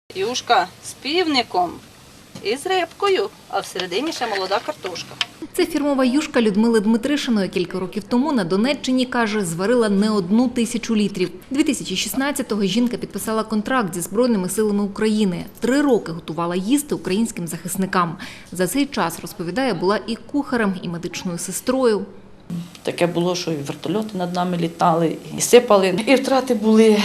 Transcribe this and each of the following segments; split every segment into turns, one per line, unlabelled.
Юшка з півником і з рибкою, а всередині ще молода картошка.
Це фірмова юшка Людмили Дмитришиної. Кілька років тому на Донеччині, каже, зварила не 1000 літрів. 2016-го жінка підписала контракт зі Збройними силами України. 3 роки готувала їсти українським захисникам. За цей час, розповідає, була і кухарем, і медичною сестрою.
Таке було, що і вертольоти над нами літали, і сипали. І втрати були,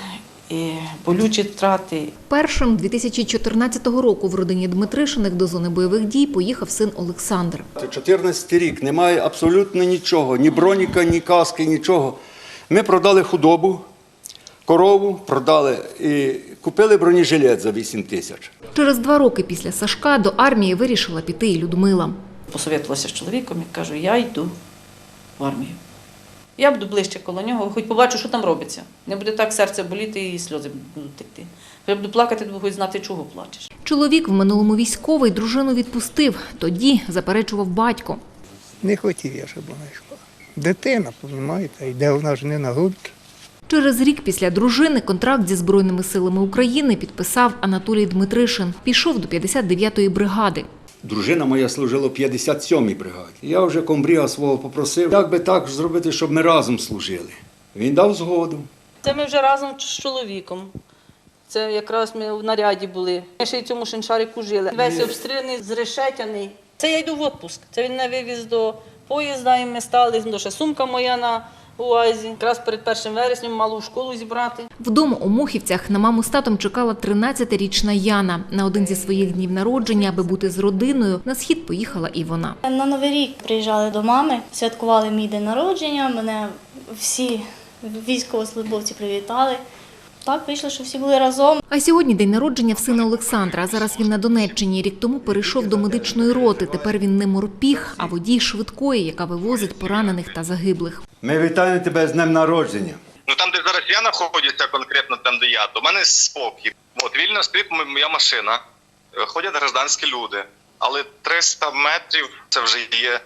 і болючі втрати.
Першим 2014 року в родині Дмитришиних до зони бойових дій поїхав син Олександр.
14 рік, немає абсолютно нічого, ні броніка, ні каски, нічого. Ми продали худобу, корову продали і купили бронежилет за 8 тисяч.
Через 2 роки після Сашка до армії вирішила піти і Людмила.
Посовітувалася з чоловіком і кажу, я йду в армію. Я буду ближче коло нього, хоч побачу, що там робиться. Не буде так серце боліти і сльози будуть текти. Я буду плакати, то хоч знати, чого плачеш.
Чоловік в минулому військовий, дружину відпустив. Тоді заперечував батько.
Не хотів я, щоб вона йшла. Дитина, розумієте, йде вона ж не на гульки.
Через рік після дружини контракт зі Збройними силами України підписав Анатолій Дмитришин. Пішов до 59-ї бригади.
Дружина моя служила в 57-й бригаді. Я вже комбріга свого попросив, як би так зробити, щоб ми разом служили. Він дав згоду.
Це ми вже разом з чоловіком. Це якраз ми в наряді були. Ми ще й в цьому шиншарику жили. Весь обстріляний, зрешетяний. Це я йду в відпуск. Це він мене вивіз до поїзда, і ми стали. Ще сумка моя на УАЗі. Якраз перед 1 вересня мало в школу зібрати.
Вдома у Мохівцях на маму з татом чекала 13-річна Яна. На один зі своїх днів народження, аби бути з родиною, на схід поїхала і вона.
На Новий рік приїжджали до мами, святкували мій день народження, мене всі військовослужбовці привітали. Так вийшло, що всі були разом.
А сьогодні день народження в сина Олександра. Зараз він на Донеччині. Рік тому перейшов до медичної роти. Тепер він не морпіг, а водій швидкої, яка вивозить поранених та загиблих.
Ми вітаємо тебе з днем народження.
Ну там, де зараз я знаходжуся, конкретно там, де я, то в мене спокій. От вільно стоїть моя машина, ходять гражданські люди, але 300 метрів це вже є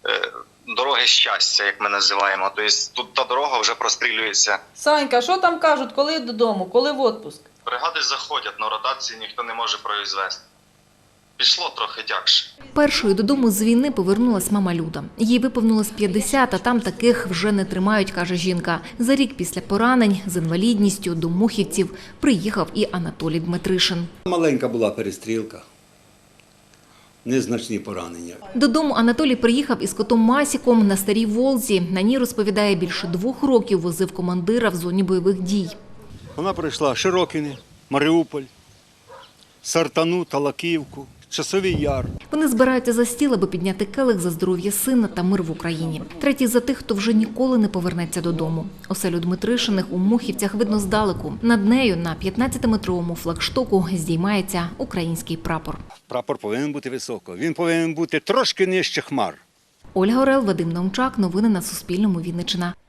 дороги щастя, як ми називаємо. Тобто тут та дорога вже прострілюється.
Санька, що там кажуть, коли додому, коли в відпуск?
Бригади заходять, на ротації ніхто не може произвести. Пішло трохи тягше.
Першою додому з війни повернулась мама Люда. Їй виповнилось 50, а там таких вже не тримають, каже жінка. За рік після поранень з інвалідністю до Мохівців приїхав і Анатолій Дмитришин.
Маленька була перестрілка, незначні поранення.
Додому Анатолій приїхав із котом Масіком на Старій Волзі. На ній, розповідає, більше 2 років возив командира в зоні бойових дій.
Вона пройшла Широкине, Маріуполь, Сартану, Талаківку, Часовий Яр.
Вони збираються за стіл, аби підняти келих за здоров'я сина та мир в Україні. Третій за тих, хто вже ніколи не повернеться додому. Оселю Дмитришиних у Мохівцях видно здалеку. Над нею на 15-метровому флагштоку здіймається український прапор.
Прапор повинен бути високо, він повинен бути трошки нижче хмар.
Ольга Орел, Вадим Наумчак. Новини на Суспільному. Вінниччина.